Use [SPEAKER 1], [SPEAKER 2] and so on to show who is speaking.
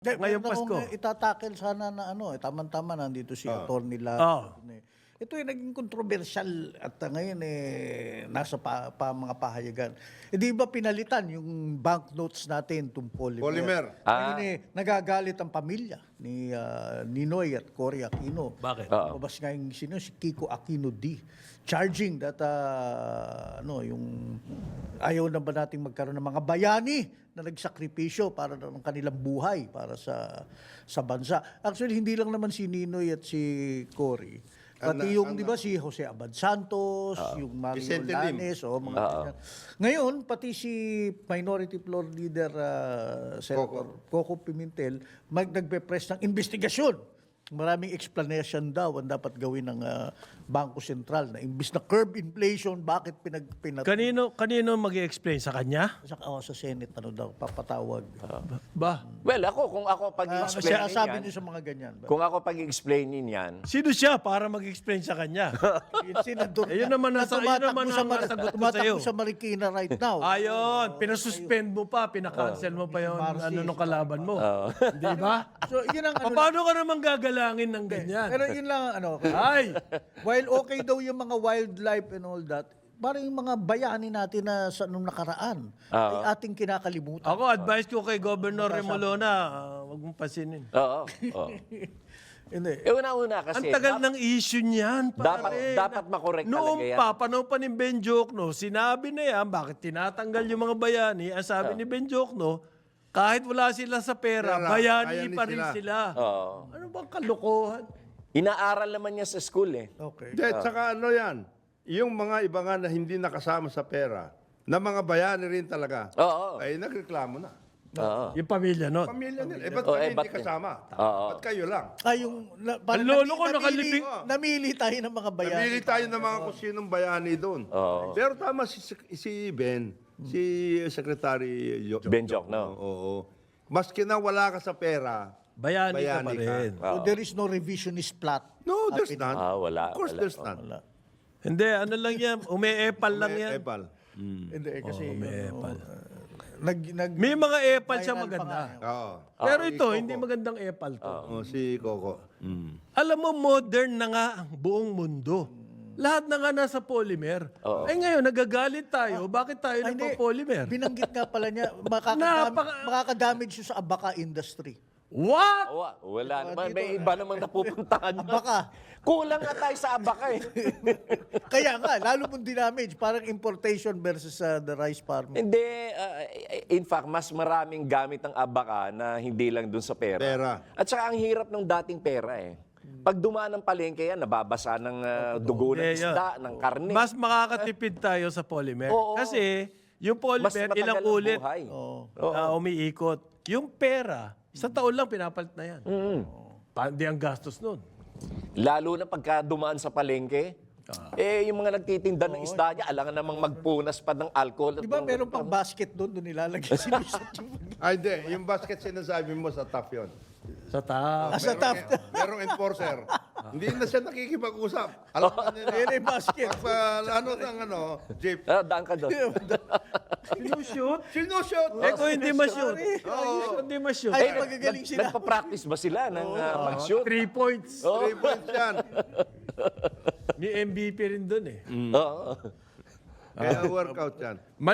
[SPEAKER 1] Ngayong Pasko.
[SPEAKER 2] Itatakel sana na tama-tama nandito si Atty.
[SPEAKER 1] Oo.
[SPEAKER 2] Ito yung naging kontrobersyal at ngayon nasa mga pahayagan. Di ba pinalitan yung banknotes natin, itong polymer?
[SPEAKER 3] Polymer.
[SPEAKER 2] Ngayon nagagalit ang pamilya ni Ninoy at Cory Aquino.
[SPEAKER 1] Bakit?
[SPEAKER 2] Mabas nga yung si Kiko Aquino D. Charging that yung ayaw na ba nating magkaroon ng mga bayani na nagsakripisyo para ng kanilang buhay para sa bansa. Actually, hindi lang naman si Ninoy at si Cory. Pati yung, di ba, si Jose Abad Santos, yung Mario
[SPEAKER 3] Vicente Lim.
[SPEAKER 2] Lanes, mga ganyan. Ngayon, pati si Minority Floor Leader Senator Coco Pimentel, nagpe-press ng investigasyon. Maraming explanation daw ang dapat gawin ng Bangko Sentral na imbis na curb inflation, bakit
[SPEAKER 1] Kanino mag-i-explain sa kanya?
[SPEAKER 2] sa Senate papatawag.
[SPEAKER 1] Ba?
[SPEAKER 4] Well, kung ako pag-i-explain
[SPEAKER 2] Sabi
[SPEAKER 4] yan,
[SPEAKER 2] niyo sa mga ganyan.
[SPEAKER 4] kung ako pag-i-explainin yan,
[SPEAKER 1] Sino siya para mag-explain sa kanya?
[SPEAKER 2] Yung senador
[SPEAKER 1] Yun naman ang sagot ko sa'yo.
[SPEAKER 2] tumatakbo sa Marikina right now.
[SPEAKER 1] Ayun, pinasuspend mo pa, pinakancel mo pa yung nung kalaban mo. Di ba?
[SPEAKER 2] So, yun ang
[SPEAKER 1] Paano ka naman gagalangin ng ganyan?
[SPEAKER 2] Pero yun lang
[SPEAKER 1] Ay!
[SPEAKER 2] while okay daw yung mga wildlife and all that, parang yung mga bayani natin na nung nakaraan ay ating kinakalimutan.
[SPEAKER 1] Ako, advice ko kay Governor Remolona, wag mong pasinin.
[SPEAKER 4] oo.
[SPEAKER 2] Hindi.
[SPEAKER 4] Una-una kasi,
[SPEAKER 1] Ang tagal ng issue niyan, pare.
[SPEAKER 4] dapat makorek talaga
[SPEAKER 1] Noong
[SPEAKER 4] yan.
[SPEAKER 1] panahon pa ni Ben Jokno, sinabi na yan, bakit tinatanggal yung mga bayani? Ang sabi ni Ben Jokno, kahit wala sila sa pera, bayani
[SPEAKER 3] bayani
[SPEAKER 1] pa rin sila. Ano bang kalokohan?
[SPEAKER 4] Inaaral naman niya sa school eh.
[SPEAKER 2] Okay.
[SPEAKER 3] Tsaka yan, yung mga iba nga na hindi nakasama sa pera, na mga bayani rin talaga, ay nagreklamo na.
[SPEAKER 1] Yung pamilya nun.
[SPEAKER 3] Pamilya nila. Ba't kami hindi kasama? Ba't kayo lang?
[SPEAKER 1] Ang lolo ko nakalibing.
[SPEAKER 2] Namili tayo ng mga bayani.
[SPEAKER 3] Namili tayo ng mga kung sinong bayani doon. Pero tama si Ben, si Secretary
[SPEAKER 4] Ben Jokno.
[SPEAKER 3] Oo. Maski na wala ka sa pera,
[SPEAKER 1] Bayani ka pa
[SPEAKER 3] bayani
[SPEAKER 1] rin.
[SPEAKER 2] So there is no revisionist plot.
[SPEAKER 3] no, there's none.
[SPEAKER 4] Wala.
[SPEAKER 3] Of course,
[SPEAKER 4] wala.
[SPEAKER 3] there's none.
[SPEAKER 1] Hindi, ano lang yan, ume-epal lang yan.
[SPEAKER 3] Epal.
[SPEAKER 2] Hindi, kasi
[SPEAKER 1] Epal.
[SPEAKER 2] may
[SPEAKER 1] mga epal siya maganda.
[SPEAKER 3] Oo.
[SPEAKER 1] Pero ito, hindi magandang epal to.
[SPEAKER 3] Si Coco.
[SPEAKER 1] Alam mo, modern na nga ang buong mundo. Lahat na nga nasa polymer. Ay ngayon, nagagalit tayo. Bakit tayo nagpo-polymer?
[SPEAKER 2] Binanggit nga pala niya, makakadamage siya sa abaka industry.
[SPEAKER 1] What?
[SPEAKER 4] Wala naman. May iba namang napupuntahan.
[SPEAKER 2] Abaka.
[SPEAKER 4] Kulang nga tayo sa abaka eh.
[SPEAKER 2] Kaya nga, lalo mong dinamage, parang importation versus the rice farming.
[SPEAKER 4] Hindi. In fact, mas maraming gamit ang abaka na hindi lang dun sa pera. At saka ang hirap ng dating pera eh. Pag dumaan ng palengke yan, nababasa ng dugo ng isda, ng karne.
[SPEAKER 1] Mas makakatipid tayo sa polymer. Kasi yung
[SPEAKER 4] Mas
[SPEAKER 1] polymer,
[SPEAKER 4] matagal
[SPEAKER 1] ilang
[SPEAKER 4] ang
[SPEAKER 1] ulit
[SPEAKER 4] buhay.
[SPEAKER 1] umiikot. Yung pera, isang taon lang pinapalit na yan. Hindi ang gastos nun.
[SPEAKER 4] Lalo na pagka dumaan sa palengke, yung mga nagtitinda ng isda niya, alangan namang magpunas pa ng alcohol.
[SPEAKER 2] Di ba meron pang basket doon nilalagay si Bishop?
[SPEAKER 3] Ay, hindi. Yung basket sinasabi mo sa top yun.
[SPEAKER 1] Sa taas.
[SPEAKER 2] Sa top.
[SPEAKER 3] Merong enforcer. Hindi na siya nakikipag-usap. Alam na nila.
[SPEAKER 2] Yan ay basket.
[SPEAKER 3] Jeep.
[SPEAKER 4] Daan ka doon.
[SPEAKER 1] Sinushoot?
[SPEAKER 3] Sinushoot.
[SPEAKER 1] Kung hindi ma-shoot. Hindi ma-shoot.
[SPEAKER 2] Ay, magagaling sila.
[SPEAKER 4] Nagpa-practice ba sila ng mag-shoot?
[SPEAKER 1] 3 points.
[SPEAKER 3] 3 points yan.
[SPEAKER 1] May MVP rin dun eh.
[SPEAKER 4] Oo.
[SPEAKER 3] Kaya workout yan.